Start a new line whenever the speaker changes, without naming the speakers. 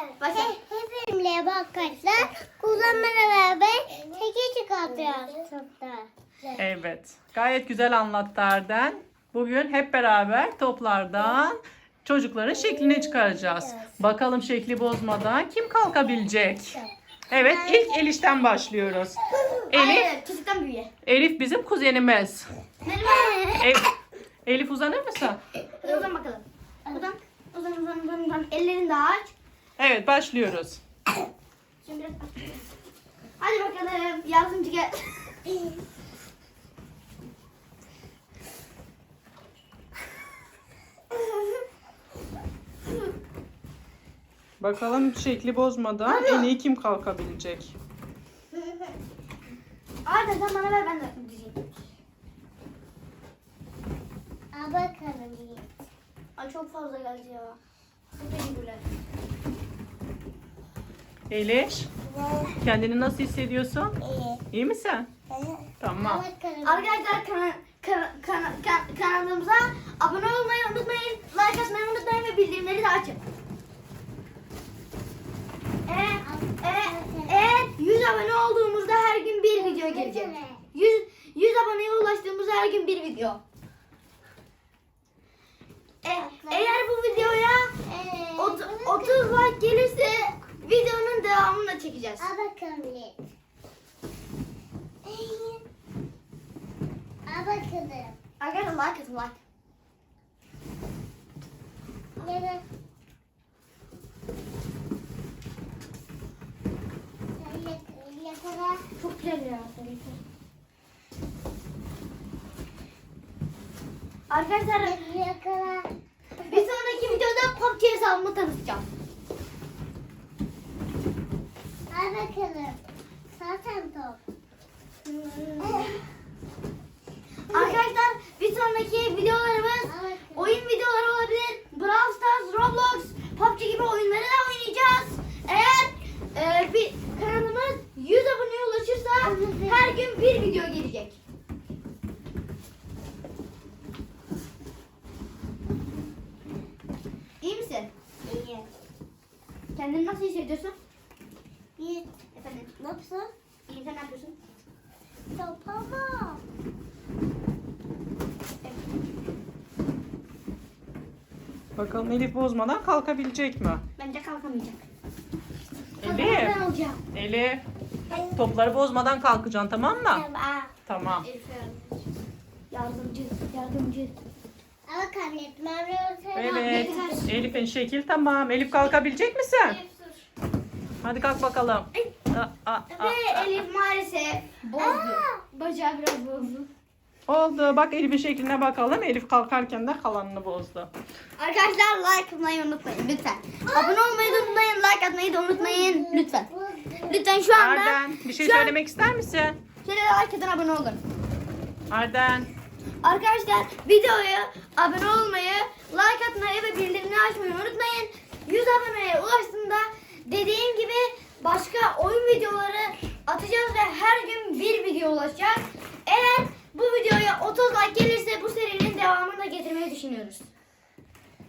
Başla.
Hepimle arkadaşlar kullanmaya beraber teki çıkartıyoruz toplar.
Evet. Gayet güzel anlattı Arden. Bugün hep beraber toplardan çocukların şeklini çıkaracağız. Bakalım şekli bozmadan kim kalkabilecek? Evet, ilk Elif'ten başlıyoruz.
Hayır, çocuktan büyüye.
Elif bizim kuzenimiz.
Benim
Elif uzanır mısın?
Uzan bakalım. Uzan. Ellerini de aç.
Evet, başlıyoruz.
Şimdi biraz aç. Hadi bakalım. Yardımcı gel.
Bakalım şekli bozmadan en iyi kim kalkabilecek?
Hadi sen bana ver, ben de diyeceğim.
Al bakalım.
Ay çok fazla geldi ya. Çok teşekkürler.
Elif, kendini nasıl hissediyorsun?
İyi.
İyi misin?
Al
Tamam.
bakalım.
Arkadaşlar kanalımıza abone olmayı unutmayın. Like atmayı unutmayın ve bildirimleri de açın. Eğer 100 abone olduğumuzda her gün bir video gelecek. 100 aboneye ulaştığımızda her gün bir video. Eğer bu videoya 30 like gelirse videonun devamını da çekeceğiz.
Al bakalım. Al bakalım.
Arkadaşlar like atın, like.
Yere. Yakala.
Çok güzel ya. Arkadaşlar
Yakala.
bir sonraki videoda PUBG hesabımı tanıtacağım.
Al bakalım. Zaten top.
Arkadaşlar bir sonraki videolarımız oyun videoları olabilir. Brawl Stars, Roblox, PUBG gibi oyunları da oynayacağız. Eğer bir kanalımız 100 aboneye ulaşırsa her gün bir video gelecek. İyi misin?
İyi.
Kendini nasıl hissediyorsun?
Bir.
Efendim?
Nasıl?
İyi, sen ne yapıyorsun?
Topama.
Bakalım Elif bozmadan kalkabilecek mi?
Bence kalkamayacak.
Elif,
Ben olacağım.
Elif. Topları bozmadan kalkacaksın, tamam mı? Tamam.
Yardımcı.
Al bakalım.
Evet. Elif'in şekil tamam. Elif kalkabilecek misin? Hadi kalk bakalım.
Ve Elif maalesef bozdu. Bacağı biraz bozdu.
Oldu. Bak Elif'in şekline bakalım. Elif kalkarken de kalanını bozdu.
Arkadaşlar like atmayı unutmayın lütfen. Abone olmayı da unutmayın, like atmayı da unutmayın lütfen. Lütfen şu anda.
Arden, bir şey
şu an-
söylemek ister misin?
Şöyle like atın, abone olun.
Arden.
Arkadaşlar videoya abone olmayı, like atmayı ve bildirimleri açmayı unutmayın. 100 aboneye ulaştığında dediğim gibi başka oyun videoları atacağız ve her gün bir video ulaşacak. Eğer bu videoya 30 like gelirse bu serinin devamını da getirmeyi düşünüyoruz.